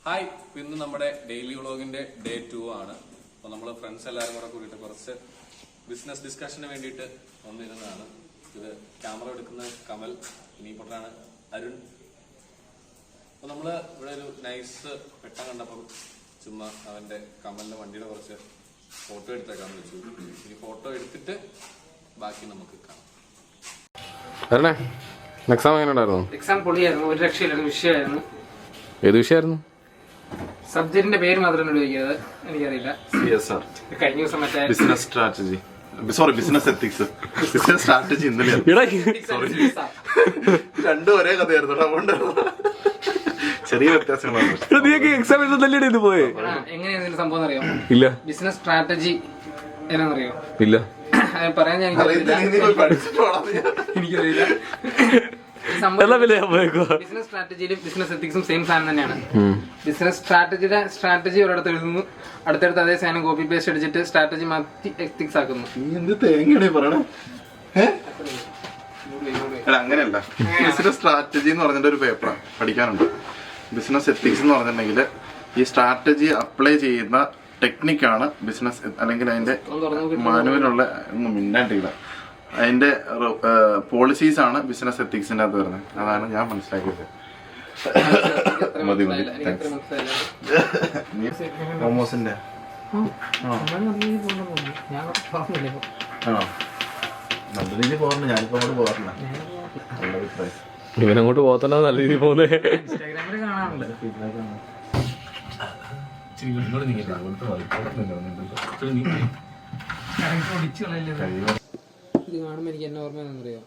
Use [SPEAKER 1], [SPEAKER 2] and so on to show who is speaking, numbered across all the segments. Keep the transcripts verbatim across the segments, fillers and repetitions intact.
[SPEAKER 1] Hi, ഇന്ന് നമ്മുടെ daily വ്ളോഗിന്റെ day to ആണ്. അപ്പൊ നമ്മള് ഫ്രണ്ട്സ് എല്ലാവരും കൂടെ കൂടിയിട്ട് കുറച്ച് ബിസിനസ് ഡിസ്കഷന് വേണ്ടിയിട്ട് വന്നിരുന്നതാണ്. ഇത് ക്യാമറ എടുക്കുന്ന കമൽ, ഇനിയിപ്പോട്ടാണ് അരുൺ. അപ്പൊ നമ്മള് ഇവിടെ ഒരു നൈസ് പെട്ടം കണ്ടപ്പോൾ ചുമ്മാ അവന്റെ കമലിന്റെ വണ്ടിയുടെ കുറച്ച് ഫോട്ടോ എടുത്തേക്കാന്ന് വെച്ചു. ഈ ഫോട്ടോ എടുത്തിട്ട് ബാക്കി നമുക്ക് കാണാം.
[SPEAKER 2] എക്സാം എങ്ങനെ ഉണ്ടായിരുന്നു?
[SPEAKER 3] എക്സാം പൊളിയായിരുന്നു, ഒരു രക്ഷയില്ലായിരുന്നു. വിഷയമായിരുന്നു.
[SPEAKER 2] ഏത് വിഷയമായിരുന്നു?
[SPEAKER 3] സബ്ജക്റ്റിന്റെ പേര് മാത്രം ചോദിക്കുന്നത് എനിക്കറിയില്ല. കഴിഞ്ഞ ദിവസം മറ്റേ
[SPEAKER 4] business strategy sorry business ethics business strategy ഇന്നലെ രണ്ടും ഒരേ കഥയായിരുന്നു. അതുകൊണ്ട് ചെറിയ വ്യത്യാസങ്ങളാണ്.
[SPEAKER 2] എക്സാം എഴുതുന്നല്ലേ പോയെ?
[SPEAKER 3] എങ്ങനെയാണ് സംഭവം അറിയാം?
[SPEAKER 2] ഇല്ല.
[SPEAKER 3] ബിസിനസ് സ്ട്രാറ്റജി എന്നാണെന്നറിയോ?
[SPEAKER 2] ഇല്ല.
[SPEAKER 3] പറയാൻ ഞാൻ എനിക്കറിയില്ല. ബിസിനസ് സ്ട്രാറ്റജിയിലും ബിസിനസ് എത്തിക്സും സെയിം സാധനം തന്നെയാണ്. ബിസിനസ് സ്ട്രാറ്റജിയുടെ സ്ട്രാറ്റജി ഒരിടത്ത് എഴുതുന്നു, അടുത്തടുത്ത് അതേ സാധനം കോപ്പി പേസ്റ്റ് അടിച്ചിട്ട് സ്ട്രാറ്റജി മാറ്റി എത്തിക്സ് ആക്കുന്നു.
[SPEAKER 4] അങ്ങനെയല്ല, ബിസിനസ് സ്ട്രാറ്റജി എന്ന് പറഞ്ഞിട്ട് ഒരു പേപ്പർ പഠിക്കാനുണ്ട്. ബിസിനസ് എത്തിക്സ് എന്ന് പറഞ്ഞിട്ടുണ്ടെങ്കിൽ ഈ സ്ട്രാറ്റജി അപ്ലൈ ചെയ്യുന്ന ടെക്നിക്കാണ് ബിസിനസ്, അല്ലെങ്കിൽ അതിന്റെ മാനുവലുള്ള ഒന്നും മിണ്ടാണ്ടില്ല, അതിന്റെ പോളിസീസ് ആണ് ബിസിനസ് എത്തിക്സിന്റെ അകത്ത് വരുന്നത്. അതാണ് ഞാൻ മനസ്സിലാക്കിയത്. മതി മതി മോമോസിന്റെ ആണോ? നല്ല രീതിയിൽ പോകണ്ട, ഞാനിപ്പോ അങ്ങോട്ട് പോകാറില്ല. നല്ല അഭിപ്രായം.
[SPEAKER 2] ഇവനങ്ങോട്ട് പോകത്തന്നെ നല്ല രീതിയിൽ പോകുന്നേ.
[SPEAKER 3] ഇത് കാണുമ്പോ എനിക്ക് എന്നെ ഓർമ്മയെന്നറിയോ?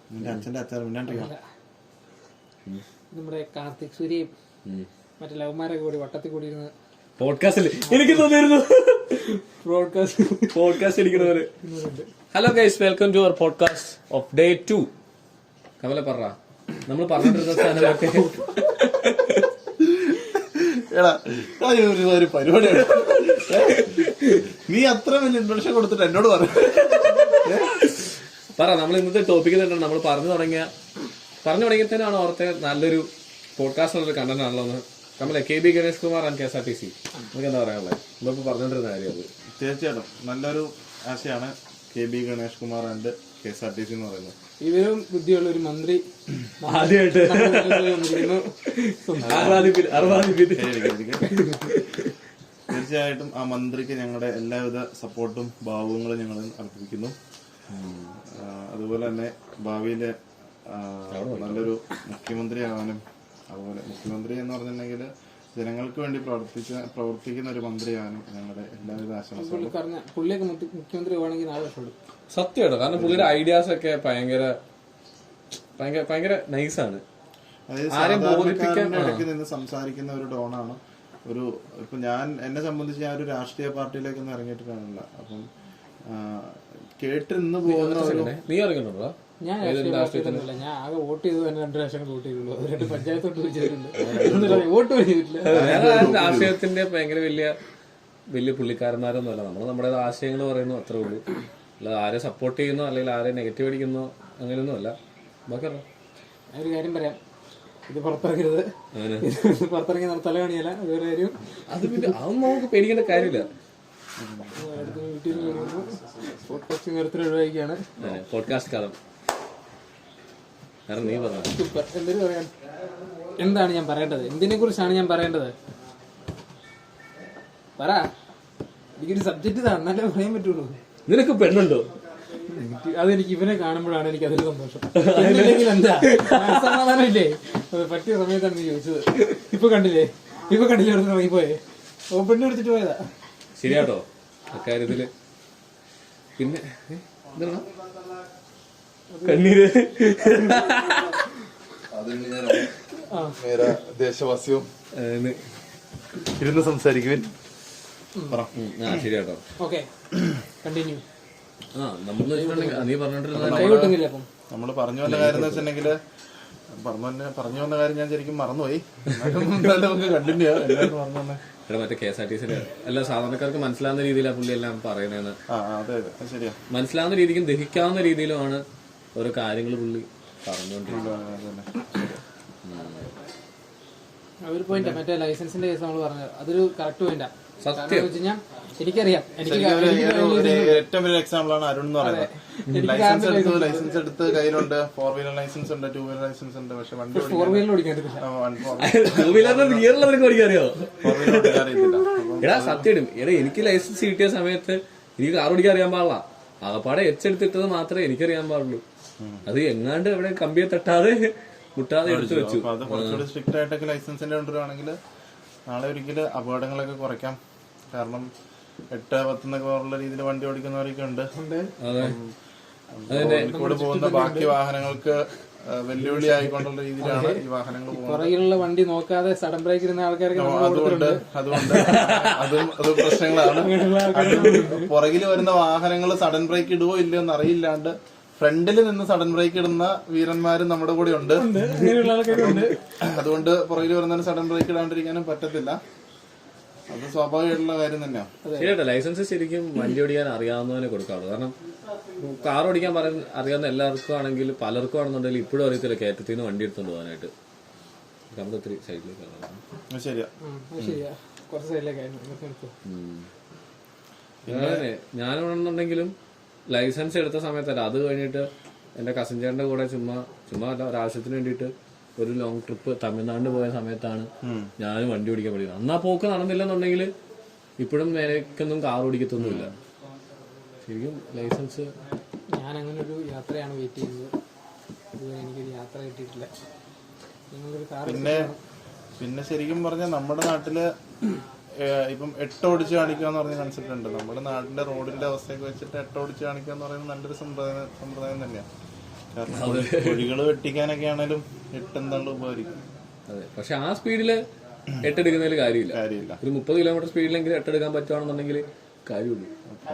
[SPEAKER 3] നമ്മുടെ കാർത്തിക് സൂര്യയും മറ്റേ ലവന്മാരൊക്കെ കൂടി വട്ടത്തിൽ കൂടി ഇരുന്ന്
[SPEAKER 2] പോഡ്കാസ്റ്റിൽ എനിക്ക് തോന്നിയിരുന്നു പോഡ്കാസ്റ്റ് അടിക്കുന്നവര്. Hello guys, welcome to our podcast of day two. Kamala പറ, നമ്മൾ പറഞ്ഞിട്ടിരുന്ന സാധനമൊക്കെ
[SPEAKER 4] ഒരു പരിപാടിയാണ്. നീ അത്ര വലിയ ഇൻട്രൊഡക്ഷൻ കൊടുത്തിട്ട് എന്നോട് പറഞ്ഞു
[SPEAKER 2] പറ. നമ്മൾ ഇന്നത്തെ ടോപ്പിക്ക് തന്നെ നമ്മൾ പറഞ്ഞു തുടങ്ങിയ പറഞ്ഞു തുടങ്ങിയതിനാണ് ഓർത്തെ നല്ലൊരു പോഡ്കാസ്റ്റ് ഉള്ളൊരു കണ്ടന്റ് ആണല്ലോ എന്ന്. നമ്മളെ K B Ganesh Kumar and K S R T C, നമുക്ക് എന്താ പറയാനുള്ളത്? നമ്മളിപ്പോ പറഞ്ഞോണ്ടിരുന്ന കാര്യം അത്.
[SPEAKER 4] തീർച്ചയായിട്ടും നല്ലൊരു ആശയമാണ് K B Ganesh Kumar and K S R T C എന്ന് പറയുന്നത്.
[SPEAKER 3] ഇവരും ബുദ്ധിയുള്ള ഒരു മന്ത്രി
[SPEAKER 2] ആദ്യമായിട്ട്
[SPEAKER 4] തീർച്ചയായിട്ടും ആ മന്ത്രിക്ക് ഞങ്ങളുടെ എല്ലാവിധ സപ്പോർട്ടും ഭാവങ്ങളും ഞങ്ങൾ അർപ്പിക്കുന്നു. അതുപോലെ തന്നെ ഭാവിയിലെ നല്ലൊരു മുഖ്യമന്ത്രി ആവാനും, അതുപോലെ മുഖ്യമന്ത്രി എന്ന് പറഞ്ഞിട്ടുണ്ടെങ്കിൽ ജനങ്ങൾക്ക് വേണ്ടി പ്രവർത്തിച്ച പ്രവർത്തിക്കുന്ന ഒരു മന്ത്രിയാവാനും ഞങ്ങളുടെ എല്ലാവിധ ആശംസകളും.
[SPEAKER 3] പുള്ളിയൊക്കെ മുഖ്യമന്ത്രി ആണെങ്കിൽ നാല് വർഷം എടുക്കും.
[SPEAKER 2] സത്യമായിട്ട്. കാരണം പുള്ളിയുടെ ഐഡിയാസ് ഒക്കെ ഭയങ്കര ഭയങ്കര ഭയങ്കര നൈസാണ്.
[SPEAKER 4] ഇടയ്ക്ക് നിന്ന് സംസാരിക്കുന്ന ഒരു ടോണാണ്. ഒരു ഇപ്പൊ ഞാൻ എന്നെ സംബന്ധിച്ച് ഞാൻ ഒരു രാഷ്ട്രീയ പാർട്ടിയിലേക്കൊന്നും ഇറങ്ങിയിട്ട് കാണില്ല. അപ്പം കേട്ടിരുന്ന് പോകുന്ന
[SPEAKER 2] നീ ഇറങ്ങുന്നുണ്ടോ?
[SPEAKER 3] ഞാൻ രാഷ്ട്രീയത്തിലൊന്നുമില്ല. ഞാൻ ആകെ വോട്ട് ചെയ്തു തന്നെ രണ്ട് പ്രാവശ്യം വോട്ട് ചെയ്തുള്ളൂ. അത് രണ്ട് പഞ്ചായത്തോട്ട് വെച്ചിട്ടുണ്ട്. വോട്ട് ചെയ്തിട്ടില്ല.
[SPEAKER 2] രാഷ്ട്രീയത്തിന്റെ ഭയങ്കര വലിയ വലിയ പുള്ളിക്കാരന്മാരൊന്നുമല്ല. നമ്മൾ നമ്മുടെ ആശയങ്ങൾ പറയുന്നു, അത്രേ ഉള്ളൂ. അല്ല ആരെ സപ്പോർട്ട് ചെയ്യുന്നോ അല്ലെങ്കിൽ ആരെ നെഗറ്റീവ് അടിക്കുന്നോ അങ്ങനെയൊന്നും അല്ല. ബാക്കി
[SPEAKER 3] ഒരു കാര്യം പറയാം, ഇത് പുറത്തിറങ്ങരുത്. പുറത്തിറങ്ങി നമ്മൾ തല കാണിയല്ല. വേറെ കാര്യം
[SPEAKER 2] അത് പിന്നെ അതൊന്നും നമുക്ക് പേടിക്കേണ്ട കാര്യമില്ല.
[SPEAKER 3] ഒഴിവാക്കിയാണ്
[SPEAKER 2] പോഡ്കാസ്റ്റ് കാലം. നീ പറഞ്ഞു
[SPEAKER 3] സൂപ്പർ. എന്തൊരു പറയാൻ, എന്താണ് ഞാൻ പറയേണ്ടത്? എന്തിനെ കുറിച്ചാണ് ഞാൻ പറയേണ്ടത്? പറ. എനിക്കൊരു സബ്ജക്റ്റ് ഇതാ, എന്നാലേ പറയാൻ പറ്റുള്ളൂ.
[SPEAKER 2] നിനക്ക് പെണ്ണുണ്ടോ?
[SPEAKER 3] അതെനിക്ക് ഇവനെ കാണുമ്പോഴാണ് എനിക്ക് അതൊരു സന്തോഷം. അല്ലെങ്കിൽ എന്താ സമാധാനം ഇല്ലേ? പറ്റിയ സമയത്താണ് നീ ചോദിച്ചത്. ഇപ്പൊ കണ്ടില്ലേ? ഇപ്പൊ കണ്ടില്ലേ? അവിടെ ഇറങ്ങിപ്പോയേ. ഓ, പെണ്ണ് വിളിച്ചിട്ട് പോയതാ.
[SPEAKER 2] ശരിയാട്ടോ അക്കാര്യത്തില്. പിന്നെ കണ്ണീര്
[SPEAKER 4] ദേശവാസിയും ഇരുന്ന് സംസാരിക്കുവാൻ.
[SPEAKER 2] ശരിയാട്ടോ.
[SPEAKER 3] Okay, continue.
[SPEAKER 2] ആ നമ്മള് നീ പറഞ്ഞോണ്ടിരുന്ന
[SPEAKER 4] നമ്മള് പറഞ്ഞു വന്ന കാര്യം എന്ന് വെച്ചിട്ടുണ്ടെങ്കിൽ പറഞ്ഞു പറഞ്ഞു വന്ന കാര്യം ഞാൻ ശരിക്കും മറന്നുപോയി. നമുക്ക് കണ്ടിന്യൂ എല്ലാവരും പറഞ്ഞു തന്നെ.
[SPEAKER 2] ഇവിടെ മറ്റേ കെ എസ് ആർ ടി സിയുടെ എല്ലാ സാധാരണക്കാർക്ക് മനസ്സിലാവുന്ന രീതിയിലാണ് പുള്ളി എല്ലാം പറയുന്നതെന്ന്. മനസ്സിലാവുന്ന രീതിക്കും ദഹിക്കാവുന്ന രീതിയിലുമാണ് ഓരോ കാര്യങ്ങൾ പുള്ളി പറഞ്ഞുകൊണ്ടിരിക്കുന്നത്.
[SPEAKER 3] ഒരു പോയിന്റ് മറ്റേ ലൈസൻസിന്റെ കേസ് നമ്മൾ പറഞ്ഞത് അതൊരു കറക്റ്റ് പോയിന്റാ.
[SPEAKER 2] സത്യം
[SPEAKER 3] വെച്ച് കഴിഞ്ഞാൽ എനിക്കറിയാം, എനിക്ക്
[SPEAKER 4] ശരിക്കും ഒരു- ഒരു- ഒരു ഏറ്റവും വലിയ എക്സാമ്പിൾ ആണ് അരുൺ എന്ന് പറയുന്നത്. ലൈസൻസ് എടുത്ത് ലൈസൻസ് എടുത്ത് കയ്യിലുണ്ട്, ഫോർ വീലർ ലൈസൻസ് ഉണ്ട്, ടൂ വീലർ ലൈസൻസ് ഉണ്ട്, പക്ഷെ വണ്ടി
[SPEAKER 3] ഫോർ വീലർ ഓടിക്കാൻ പറ്റില്ല.
[SPEAKER 2] ടൂ വീലറിന്റെ ഗിയറിലവർക്ക് ഓടിക്കാറിയോ?
[SPEAKER 4] ഫോർ വീലർ ഓടിക്കാൻ അറിയത്തില്ല. അപ്പം
[SPEAKER 2] എടാ സത്യം, എടാ എനിക്ക് ലൈസൻസ് കിട്ടിയ സമയത്ത് എനിക്ക് കാർ ഓടിക്കാൻ അറിയാൻ പാടില്ല. ആകപ്പാടെ എച്ചെടുത്തിട്ടത് മാത്രമേ എനിക്കറിയാൻ പാടുള്ളൂ. അത് എങ്ങാണ്ട് എവിടെ കമ്പിയെ തട്ടാതെ മുട്ടാതെ എടുത്തു വെച്ചു.
[SPEAKER 4] അപ്പൊ അത് കുറച്ചുകൂടി സ്ട്രിക്റ്റ് ആയിട്ടൊക്കെ ലൈസൻസിന്റെ കൊണ്ടുവരുവാണെങ്കിൽ നാളെ ഒരിക്കലും അപകടങ്ങളൊക്കെ കുറയ്ക്കാം. കാരണം എട്ട് പത്തെന്നൊക്കെ പോലുള്ള രീതിയിൽ വണ്ടി ഓടിക്കുന്നവരൊക്കെ ഉണ്ട്. കൂടെ പോകുന്ന ബാക്കി വാഹനങ്ങൾക്ക് വെല്ലുവിളി ആയിക്കൊണ്ടുള്ള രീതിയിലാണ് ഈ വാഹനങ്ങൾ പോകുന്നത്.
[SPEAKER 3] പുറകിലുള്ള വണ്ടി നോക്കാതെ സഡൻ ബ്രേക്ക് ഇരുന്ന ആൾക്കാർക്ക്
[SPEAKER 4] അതുകൊണ്ട് അതുകൊണ്ട് അതും അത് പ്രശ്നങ്ങളാണ്. പുറകിൽ വരുന്ന വാഹനങ്ങൾ സഡൻ ബ്രേക്ക് ഇടുവോ ഇല്ലയോ എന്ന് അറിയില്ലാണ്ട് ഫ്രണ്ടിൽ നിന്ന് സഡൻ ബ്രേക്ക് ഇടുന്ന വീരന്മാരും നമ്മുടെ കൂടെ ഉണ്ട്. അതുകൊണ്ട് പുറകിൽ വരുന്നതിന് സഡൻ ബ്രേക്ക് ഇടാണ്ടിരിക്കാനും പറ്റത്തില്ല. അത് സ്വാഭാവികമായിട്ടുള്ള കാര്യം തന്നെയാണ്.
[SPEAKER 2] ശരിയാട്ടോ, ലൈസൻസ് ശരിക്കും വണ്ടി ഓടിക്കാൻ അറിയാവുന്നവനെ കൊടുക്കാറുള്ളൂ. കാരണം കാർ ഓടിക്കാൻ പറയുന്ന അറിയാവുന്ന എല്ലാവർക്കും ആണെങ്കിൽ പലർക്കും ആണെന്നുണ്ടെങ്കിൽ ഇപ്പോഴും അറിയത്തില്ല കയറ്റത്തിൽ നിന്ന് വണ്ടി എടുത്തോണ്ട് പോകാനായിട്ട്. നമ്മുടെ ഒത്തിരി സൈഡിലേക്ക്
[SPEAKER 4] ശരിയാ
[SPEAKER 3] ശരിയാ കുറച്ച് സൈഡിലേക്കായിരുന്നു.
[SPEAKER 2] അങ്ങനെ ഞാനാണെന്നുണ്ടെങ്കിലും ലൈസൻസ് എടുത്ത സമയത്തല്ല, അത് കഴിഞ്ഞിട്ട് എന്റെ കസിൻ ചേട്ടന്റെ കൂടെ ചുമ്മാ ചുമ്മാ അല്ല ഒരാവശ്യത്തിന് വേണ്ടിയിട്ട് ഒരു ലോങ് ട്രിപ്പ് തമിഴ്നാട് പോയ സമയത്താണ് ഞാനും വണ്ടി ഓടിക്കാൻ പഠിക്കുന്നത്. അന്നാ പോക്ക് നടന്നില്ലെന്നുണ്ടെങ്കിൽ ഇപ്പോഴും എനിക്കൊന്നും കാർ ഓടിക്കത്തൊന്നുമില്ല. ശരിക്കും ലൈസൻസ്
[SPEAKER 3] ഞാൻ അങ്ങനെ ഒരു യാത്രയാണ് വെയിറ്റ് ചെയ്യുന്നത്. ഇതുവരെ എനിക്കൊരു യാത്ര കിട്ടിയിട്ടില്ല. നിങ്ങളൊരു കാർ
[SPEAKER 4] പിന്നെ പിന്നെ ശരിക്കും പറഞ്ഞാൽ നമ്മുടെ നാട്ടില് ഇപ്പം എട്ട് ഓടിച്ച് കാണിക്കുക എന്ന് പറഞ്ഞ കൺസെപ്റ്റ് ഉണ്ട്. നമ്മുടെ നാട്ടിലെ റോഡിന്റെ അവസ്ഥയൊക്കെ വെച്ചിട്ട് എട്ട് ഓടിച്ച് കാണിക്കുക എന്ന് പറയുന്നത് നല്ലൊരു സമ്പ്രദായം സമ്പ്രദായം തന്നെയാണ്. കാരണം കുഴികൾ വെട്ടിക്കാനൊക്കെ ആണേലും എട്ട് എന്താണ്ട് ഉപകരിക്കും.
[SPEAKER 2] അതെ, പക്ഷെ ആ സ്പീഡില് എട്ടെടുക്കുന്നതിൽ കാര്യമില്ല.
[SPEAKER 4] കാര്യമില്ല.
[SPEAKER 2] ഒരു മുപ്പത് കിലോമീറ്റർ സ്പീഡിലെങ്കിലും എട്ടെടുക്കാൻ പറ്റുവാണെന്നുണ്ടെങ്കിൽ കാര്യമുള്ളൂ.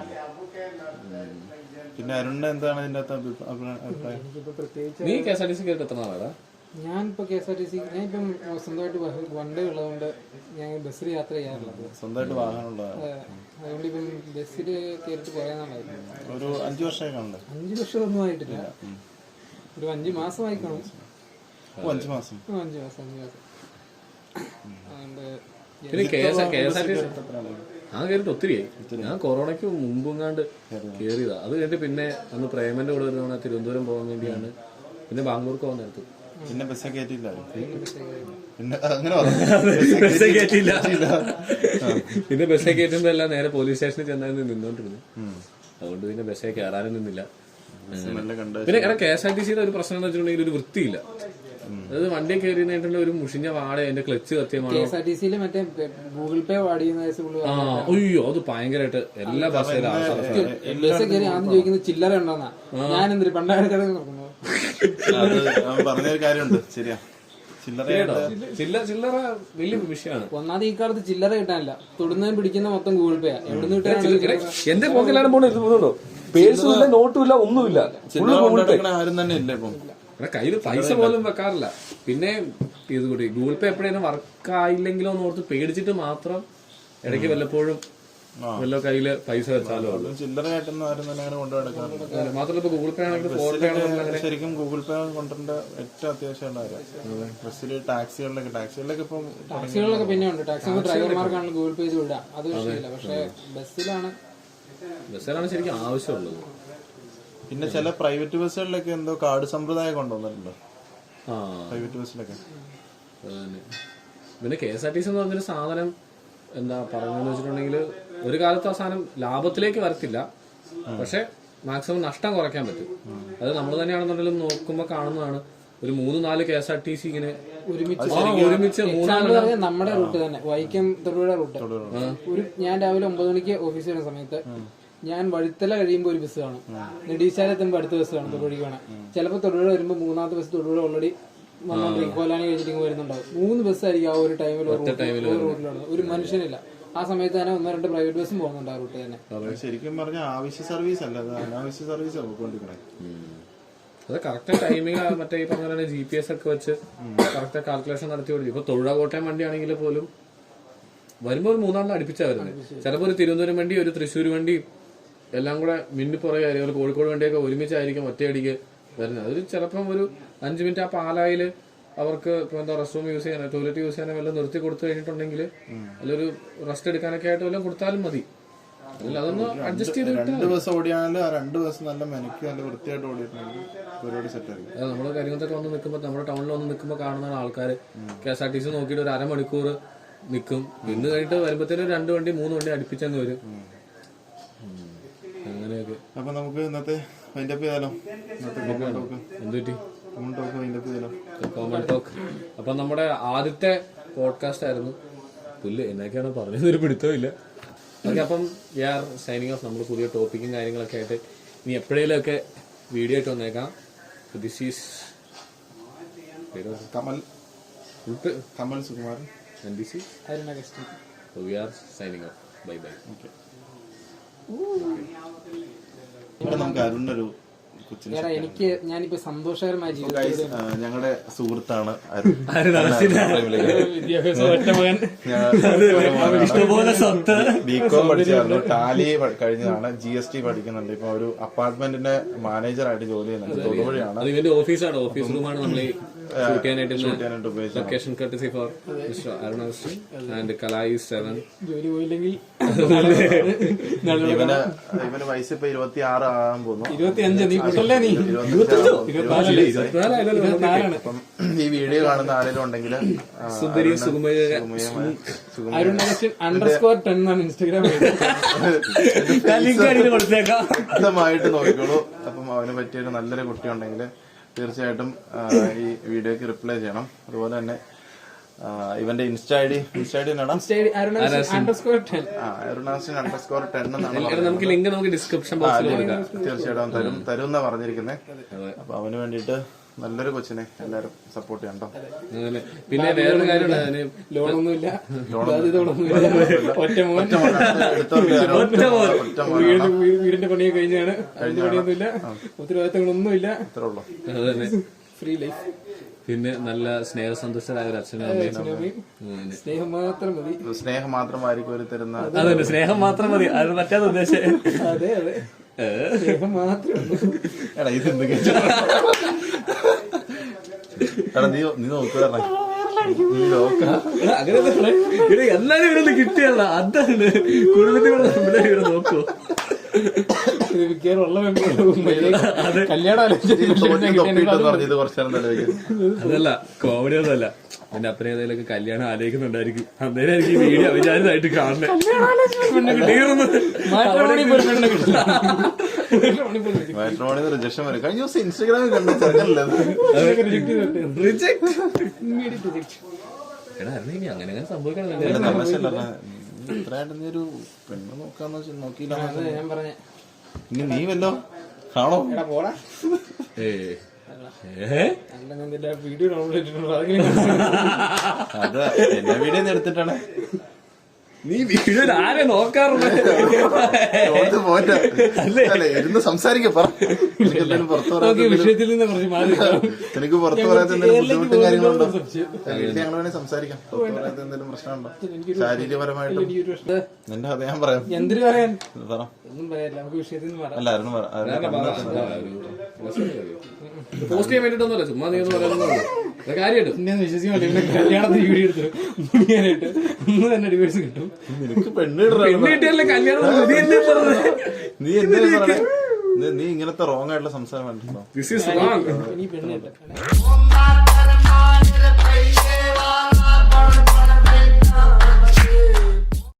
[SPEAKER 4] പിന്നെ അരുണിന്റെ എന്താണ് ഇതിന്റെ അകത്ത് അഭി- അഭി- അഭിപ്രായം?
[SPEAKER 3] എനിക്കിപ്പോ പ്രത്യേകിച്ച്
[SPEAKER 2] നീ K S R T C കയറിട്ട് എത്ര നാളാടാ?
[SPEAKER 3] ഞാനിപ്പോ K S R T C ഞാൻ ഇപ്പം സ്വന്തമായിട്ട് വണ്ടി ഉള്ളതുകൊണ്ട് ഞാൻ ബസ്സിൽ യാത്ര ചെയ്യാറുള്ളത്.
[SPEAKER 4] സ്വന്തമായിട്ട് വാഹനമുള്ളതാണ്.
[SPEAKER 3] അതുകൊണ്ട് ഇപ്പം ബസ്സിൽ കയറിയിട്ട് കുറെ നാളായിരുന്നു.
[SPEAKER 4] ഒരു അഞ്ചു വർഷമായി കാണണ്ടേ?
[SPEAKER 3] അഞ്ചു വർഷമൊന്നും ആയിട്ടില്ല, ഒരു അഞ്ചു മാസമായി കാണും.
[SPEAKER 4] ഓ, അഞ്ചു മാസം.
[SPEAKER 3] ആ, അഞ്ചു മാസം അഞ്ചു മാസം അതുകൊണ്ട്
[SPEAKER 2] പിന്നെ K S K S R T C ഞാൻ കയറിയിട്ട് ഒത്തിരിയായി. ഞാൻ കൊറോണയ്ക്ക് മുമ്പെങ്ങാണ്ട് കയറിയതാ. അത് കഴിഞ്ഞിട്ട് പിന്നെ അന്ന് പ്രേമന്റെ കൂടെ വരുന്ന തിരുവനന്തപുരം പോകാൻ വേണ്ടിയാണ്, പിന്നെ ബാംഗ്ലൂർക്ക് പോകാൻ നേരത്ത്
[SPEAKER 4] പിന്നെ ബസ്സെ കയറ്റിയില്ല. പിന്നെ അങ്ങനെ
[SPEAKER 2] ബസ്സേ കയറ്റിയില്ല. പിന്നെ ബസ്സേ കയറ്റുമ്പോ എല്ലാം നേരെ പോലീസ് സ്റ്റേഷനിൽ ചെന്നായിരുന്നു നിന്നോണ്ടിരുന്നു. അതുകൊണ്ട് പിന്നെ ബസ്സേ കയറാനും നിന്നില്ല.
[SPEAKER 4] കണ്ട്
[SPEAKER 2] പിന്നെ കാരണം കെ എസ് ആർ ടി സിയുടെ ഒരു പ്രശ്നം എന്ന് വെച്ചിട്ടുണ്ടെങ്കിൽ ഒരു വൃത്തിയില്ല. അതായത് വണ്ടി കയറിയിട്ടുള്ള ഒരു മുഷിഞ്ഞ വാട, അതിന്റെ ക്ലച്ച് കത്തിയമാണോ.
[SPEAKER 3] കെ എസ് ആർ ടി സിയിൽ മറ്റേ ഗൂഗിൾ പേ വാടി ചെയ്യുന്ന കേസ് പുള്ളി
[SPEAKER 2] ആ അയ്യോ അത് ഭയങ്കരമായിട്ട് എല്ലാ ബസ്സിലും
[SPEAKER 3] ബസ് കയറി ആദ്യം ചോദിക്കുന്നത് ചില്ലറ ഉണ്ടോന്നാ. ഞാൻ എന്തൊരു പണ്ടാട് കട നോക്കുന്നു.
[SPEAKER 4] അത് അവൻ പറഞ്ഞൊരു കാര്യമുണ്ട്. ശരിയാ, ചില്ലറ
[SPEAKER 2] ചില്ലറ ചില്ലറ വലിയ വിഷയമാണ്.
[SPEAKER 3] ഒന്നാമത് ഈ കാലത്ത് ചില്ലറ കിട്ടാനില്ല. തൊടുന്നതും പിടിക്കുന്ന മൊത്തം ഗൂഗിൾ പേ. എവിടുന്ന് കിട്ടാനാണ്?
[SPEAKER 2] എന്റെ പോക്കെല്ലാം പോകുന്നുണ്ടോ? പേഴ്സും ഇല്ല, നോട്ടും ഇല്ല, ഒന്നുമില്ല.
[SPEAKER 4] ആരും തന്നെ ഇല്ല ഇപ്പം.
[SPEAKER 2] കയ്യിൽ പൈസ പോലും വെക്കാറില്ല. പിന്നെ ഇത് കൂടി ഗൂഗിൾ പേ എപ്പോഴേലും വർക്ക് ആയില്ലെങ്കിലോ എന്ന് ഓർത്ത് പേടിച്ചിട്ട് മാത്രം ഇടയ്ക്ക് വല്ലപ്പോഴും വല്ല കയ്യില് പൈസ വെച്ചാലോ.
[SPEAKER 4] ചില്ലറ ആയിട്ടൊന്നും ആരും തന്നെ അങ്ങനെ കൊണ്ടു നടക്കാറില്ല.
[SPEAKER 2] മാത്രമല്ല ഇപ്പൊ ഗൂഗിൾ പേ ആണെങ്കിൽ ഫോൺ പേ ആണെങ്കിൽ
[SPEAKER 4] ശരിക്കും ഗൂഗിൾ പേ കൊണ്ടുവരേണ്ട ഏറ്റവും അത്യാവശ്യമുള്ള കാര്യം. ബസ്സിൽ ടാക്സികളിലൊക്കെ ടാക്സികളിലൊക്കെ ഇപ്പം
[SPEAKER 3] ടാക്സികളിലൊക്കെ പിന്നെ ഉണ്ട്. ടാക്സി ഡ്രൈവർമാർക്കാണ് ഗൂഗിൾ പേ ചെയ്ത് വിടുക, അത് വിഷയമില്ല. പക്ഷെ ബസ്സിലാണ്
[SPEAKER 2] ബസ്സിലാണ് ശരിക്കും ആവശ്യമുള്ളത്.
[SPEAKER 4] പിന്നെ ചില പ്രൈവറ്റ് ബസ്സുകളിലൊക്കെ എന്തോ കാർഡ് സമ്പ്രദായം കൊണ്ടുവന്നിട്ടുണ്ട്.
[SPEAKER 2] ആ
[SPEAKER 4] പ്രൈവറ്റ് ബസ്സിലൊക്കെ
[SPEAKER 2] പിന്നെ K S R T C എന്ന് പറഞ്ഞൊരു സാധനം എന്താ പറയുന്നതെന്ന് വെച്ചിട്ടുണ്ടെങ്കിൽ ഒരു കാലത്ത് ആ സാധനം ലാഭത്തിലേക്ക് വരത്തില്ല, പക്ഷെ മാക്സിമം നഷ്ടം കുറയ്ക്കാൻ പറ്റും. അത് നമ്മൾ തന്നെയാണെന്നുണ്ടെങ്കിലും നോക്കുമ്പോൾ കാണുന്നതാണ്. ഒരു മൂന്ന് നാല് K S R T C ഇങ്ങനെ ഒരുമിച്ച് ഒരുമിച്ച് മൂന്നാല്
[SPEAKER 3] നമ്മുടെ റൂട്ട് തന്നെ വൈക്കം തൊടുപുഴ റൂട്ട്. ഒരു ഞാൻ രാവിലെ ഒമ്പത് മണിക്ക് ഓഫീസിൽ വരുന്ന സമയത്ത് ഞാൻ വഴുത്തല കഴിയുമ്പോൾ ഒരു ബസ് കാണും, നെടീശാല എത്തുമ്പോൾ അടുത്ത ബസ് കാണും തൊടുപുഴയ്ക്ക് വേണം. ചിലപ്പോൾ തൊടുപുഴ വരുമ്പോൾ മൂന്നാമത്തെ ബസ് തൊടുപുഴ ഓൾറെഡി വന്നോണ്ടിരിക്കും, കോലാനി കഴിച്ചിട്ട് വരുന്നുണ്ടാവും. മൂന്ന് ബസ്സായിരിക്കും ആ ഒരു ടൈമിൽ റൂട്ടിലുള്ളത്. ഒരു മനുഷ്യനില്ല. ആ സമയത്ത് തന്നെ ഒന്നോ രണ്ട് പ്രൈവറ്റ് ബസ്സും പോകുന്നുണ്ട് ആ റൂട്ട് തന്നെ.
[SPEAKER 4] ശരിക്കും പറഞ്ഞാൽ ആവശ്യ സർവീസ് അല്ല, അനാവശ്യ സർവീസ് പോയിക്കൊണ്ടിരിക്കണേ.
[SPEAKER 2] അത് കറക്റ്റ് ടൈമിങ് മറ്റേ ഈ പറഞ്ഞ പോലെ ജി പി എസ് ഒക്കെ വെച്ച് കറക്റ്റ് കാൽക്കുലേഷൻ നടത്തി കൊടുക്കും. ഇപ്പൊ തൊഴിലാ കോട്ടയം വണ്ടിയാണെങ്കിൽ പോലും വരുമ്പോൾ ഒരു മൂന്നാളിനെ അടുപ്പിച്ചാ വരുന്നത്. ചിലപ്പോൾ ഒരു തിരുവനന്തപുരം വണ്ടി ഒരു തൃശ്ശൂർ വണ്ടി എല്ലാം കൂടെ മിന്നിപ്പുറകെ ആയിരിക്കും. കോഴിക്കോട് വണ്ടിയൊക്കെ ഒരുമിച്ചായിരിക്കും ഒറ്റയടിക്ക് വരുന്നത്. അതൊരു ചിലപ്പം ഒരു അഞ്ചു മിനിറ്റ് ആ പാലായില് അവർക്ക് ഇപ്പൊ എന്താ റെസ്റ്റ് റൂം യൂസ് ചെയ്യാനോ ടോയ്ലറ്റ് യൂസ് ചെയ്യാനോ വല്ലതും നിർത്തി കൊടുത്തു കഴിഞ്ഞിട്ടുണ്ടെങ്കിൽ അതിലൊരു റെസ്റ്റ് എടുക്കാനൊക്കെ ആയിട്ട് വല്ലതും കൊടുത്താലും മതി. അല്ല അതൊന്ന് അഡ്ജസ്റ്റ് ചെയ്ത്
[SPEAKER 4] രണ്ട് ദിവസം ഓടിയാണെങ്കിൽ ആ രണ്ട് ദിവസം നല്ല മെനക്ക് നല്ല വൃത്തിയായിട്ട് ഓടിയിട്ടുണ്ടെങ്കിൽ പരിപാടി സെറ്റ് ആയിരിക്കും.
[SPEAKER 2] അത് നമ്മുടെ കരിമത്തൊക്കെ വന്ന് നിൽക്കുമ്പോൾ നമ്മുടെ ടൗണിൽ വന്ന് നിൽക്കുമ്പോൾ കാണുന്ന ആൾക്കാർ K S R T C നോക്കിയിട്ട് ഒരു അരമണിക്കൂർ നിൽക്കും. ഇന്ന് കഴിഞ്ഞിട്ട് വരുമ്പോഴത്തേനും രണ്ട് വണ്ടി മൂന്ന് വണ്ടി അടുപ്പിച്ചങ്ങ് വരും. അങ്ങനെയൊക്കെ.
[SPEAKER 4] അപ്പൊ നമുക്ക് ഇന്നത്തെ വൈൻഡപ്പ് ചെയ്താലോ?
[SPEAKER 2] എന്തുപറ്റി
[SPEAKER 4] കോമൺ ടോക്ക് വൈൻഡപ്പ് ചെയ്താലോ?
[SPEAKER 2] Common talk. അപ്പൊ നമ്മുടെ ആദ്യത്തെ പോഡ്കാസ്റ്റ് ആയിരുന്നു. പുല്ല് എന്നൊക്കെയാണ് പറഞ്ഞതൊരു പിടുത്തവും ഇല്ല. ഓക്കെ, അപ്പം വി ആർ സൈനിങ് ഓഫ്. നമ്മൾ പുതിയ ടോപ്പിക്കും കാര്യങ്ങളൊക്കെ ആയിട്ട് ഇനി എപ്പോഴേലും ഒക്കെ വീഡിയോ ആയിട്ട് വന്നേക്കാം. This is
[SPEAKER 4] Kamal Kamal Sukumaran
[SPEAKER 2] and this is
[SPEAKER 3] Aruna guest.
[SPEAKER 2] We are signing off. Bye bye.
[SPEAKER 4] Okay. നമുക്ക് അരുണൊരു കൊച്ചിന്
[SPEAKER 3] എടാ എനിക്ക് ഞാനിപ്പോ സന്തോഷകരമായ ജീവിതം
[SPEAKER 4] ഞങ്ങളുടെ സുഹൃത്താണ് അരുൺ.
[SPEAKER 3] വിദ്യാഭ്യാസം ഒറ്റ മകൻ
[SPEAKER 4] ബികോം പഠിച്ചായിരുന്നു, ടാലി കഴിഞ്ഞതാണ്, ജി എസ് ടി പഠിക്കുന്നുണ്ട്. ഇപ്പൊ ഒരു അപ്പാർട്ട്മെന്റിന്റെ മാനേജറായിട്ട് ജോലി ചെയ്യുന്നുണ്ട്. തൊടുപുഴയാണ്.
[SPEAKER 2] അത് ഇവന്റെ ഓഫീസാണ്. ഓഫീസ് റൂമാണ് നമ്മൾ ഷൂട്ട് ചെയ്യാനായിട്ട്
[SPEAKER 4] ഉപയോഗിച്ചത്.
[SPEAKER 2] Location courtesy for mister Arun and Kalai seven.
[SPEAKER 3] ജോലി പോയില്ലെങ്കിൽ
[SPEAKER 4] ഇവന് ഇവന് വയസ്സ് ഇപ്പൊ ഇരുപത്തി ആറ് ആകാൻ പോകുന്നു.
[SPEAKER 3] ഇരുപത്തി അഞ്ച് നീ കുട്ടല്ലേ നീ ഇരുപത്തിനാലാണ്.
[SPEAKER 4] അപ്പം ഈ വീഡിയോ കാണുന്ന ആരെങ്കിലും ഉണ്ടെങ്കിൽ
[SPEAKER 2] സുന്ദരി സുകുമാരി
[SPEAKER 3] അരുൺ അണ്ടർ സ്കോർ ടെൻ എന്നാണ് ഇൻസ്റ്റാഗ്രാം കൊടുത്തേക്കാം.
[SPEAKER 4] വ്യക്തമായിട്ട് നോക്കിക്കോളൂ. അപ്പം അവന് പറ്റിയൊരു നല്ലൊരു കുട്ടി ഉണ്ടെങ്കിൽ തീർച്ചയായിട്ടും ഈ വീഡിയോക്ക് റിപ്ലൈ ചെയ്യണം. അതുപോലെ തന്നെ ഇവന്റെ insta I D insta I D എന്നാണ്
[SPEAKER 3] അണ്ടർസ്കോർ ടെൻ
[SPEAKER 4] അരുണാസിൻ അണ്ടർസ്കോർ ടെൻ എന്നാണ്.
[SPEAKER 2] നമുക്ക് ലിങ്ക് നമുക്ക് ഡിസ്ക്രിപ്ഷൻ ബോക്സിൽ കൊടുക്കാം.
[SPEAKER 4] തീർച്ചയായിട്ടും തരും തരും എന്നാ പറഞ്ഞിരിക്കുന്നത്. അപ്പൊ അവന് വേണ്ടിയിട്ട് നല്ലൊരു കൊച്ചിനെ എല്ലാരും സപ്പോർട്ട് ചെയ്യണ്ടോ.
[SPEAKER 2] അങ്ങനെ പിന്നെ വേറൊരു കാര്യമുണ്ട്.
[SPEAKER 3] ലോണൊന്നുമില്ല, ഒറ്റ മോൻ, വീടിന്റെ പണിയൊക്കെ കഴിഞ്ഞാണ്. അതിന്റെ പണിയൊന്നുമില്ല, ഉത്തരവാദിത്തങ്ങളൊന്നുമില്ല.
[SPEAKER 4] അത്രേ ഉള്ളൂ.
[SPEAKER 2] അതന്നെ,
[SPEAKER 3] ഫ്രീ ലൈഫ്.
[SPEAKER 2] പിന്നെ നല്ല സ്നേഹസന്തുഷ്ടരായ ഒരു അച്ഛനും അമ്മയും.
[SPEAKER 3] സ്നേഹം മാത്രം മതി.
[SPEAKER 4] സ്നേഹം മാത്രമായിരിക്കും ഒരു തരുന്ന.
[SPEAKER 2] അതന്നെ, സ്നേഹം മാത്രം മതി. അത് മറ്റേത് ഉദ്ദേശം.
[SPEAKER 3] അതെ അതെ, സ്നേഹം മാത്രം.
[SPEAKER 4] എടാ ഇത് എന്ത് എടാ നീ നീ നോക്കുക നീ നോക്ക
[SPEAKER 2] അങ്ങനെ എല്ലാരും ഇവിടെ കിട്ടിയല്ല. അതാണ് കുടുംബത്തിലുള്ള ഇവിടെ നോക്കൂ. അതല്ല കോമഡി ഒന്നുമല്ല. എന്റെ അപ്പനെ ഏതെങ്കിലും കല്യാണം ആലോചിക്കുന്നുണ്ടായിരിക്കും. അന്നേരം എനിക്ക് ഈ വീഡിയോ അവിചാരിതായിട്ട് കാണണേ.
[SPEAKER 4] മാട്രിമോണിന്ന് റിജക്ഷൻ വരും. കഴിഞ്ഞ ദിവസം ഇൻസ്റ്റാഗ്രാമിൽ കണ്ട ചെറുക്കല്ലേ
[SPEAKER 2] എടാ ഇനി അങ്ങനെ അങ്ങനെ സംഭവിക്കണം.
[SPEAKER 4] ഇത്രയായിട്ട് നീ ഒരു പെണ്ണ് നോക്കാന്ന് വെച്ചാൽ നോക്കിയില്ല.
[SPEAKER 3] ഞാൻ പറഞ്ഞ
[SPEAKER 4] ഇനി നീ വല്ലോ കാണോ?
[SPEAKER 3] പോടാ. വീഡിയോ ഡൗൺലോഡ് ചെയ്തിട്ടുണ്ടോ?
[SPEAKER 4] അത് എന്റെ വീഡിയോ എടുത്തിട്ടാണ്.
[SPEAKER 2] നീ വീഡിയോ ആരെ നോക്കാറുണ്ട്?
[SPEAKER 4] പോട്ടെ അല്ലേ ഇരുന്ന് സംസാരിക്കാം.
[SPEAKER 3] വിഷയത്തിൽ നിന്ന് കുറച്ച് മാറി.
[SPEAKER 4] എനിക്ക് പുറത്തു പറയാത്ത എന്തെങ്കിലും ബുദ്ധിമുട്ടും കാര്യങ്ങളുണ്ടോ? വീട്ടിൽ ഞങ്ങൾ വേണമെങ്കിൽ സംസാരിക്കാം. പുറത്തു പറയാത്ത എന്തെങ്കിലും പ്രശ്നമുണ്ടോ ശാരീരികപരമായിട്ടും? നിന്റെ അത് ഞാൻ പറയാം.
[SPEAKER 3] എന്തിനു പറയാൻ?
[SPEAKER 4] പറ.
[SPEAKER 3] ഒന്നും പറയാനില്ല, നമുക്ക് വിഷയത്തിൽ നിന്ന് പറയാം.
[SPEAKER 4] അല്ല ആരും
[SPEAKER 2] പോസ്റ്റ് ചെയ്യാൻ വേണ്ടിട്ടൊന്നുമല്ല, ചുമ്മാ നീ ഒന്ന് പറയാനൊന്നും കാര്യമായിട്ട്
[SPEAKER 3] പിന്നെ വിശ്വസിക്കാൻ പറ്റില്ല. കല്യാണത്തിന് വീഡിയോ എടുത്ത് മുടിയാനായിട്ട് ഒന്ന് തന്നെ ഡിവേഴ്സ് കിട്ടും.
[SPEAKER 4] നിനക്ക് പെണ്ണ്
[SPEAKER 2] കിട്ടിയല്ലേ കല്യാണം.
[SPEAKER 4] നീ എന്താ നീ ഇങ്ങനത്തെ റോങ് ആയിട്ടുള്ള സംസാരം കണ്ടിട്ടുണ്ടോ?
[SPEAKER 2] This is wrong.
[SPEAKER 3] ഇനി പെണ്ണ് കിട്ടും.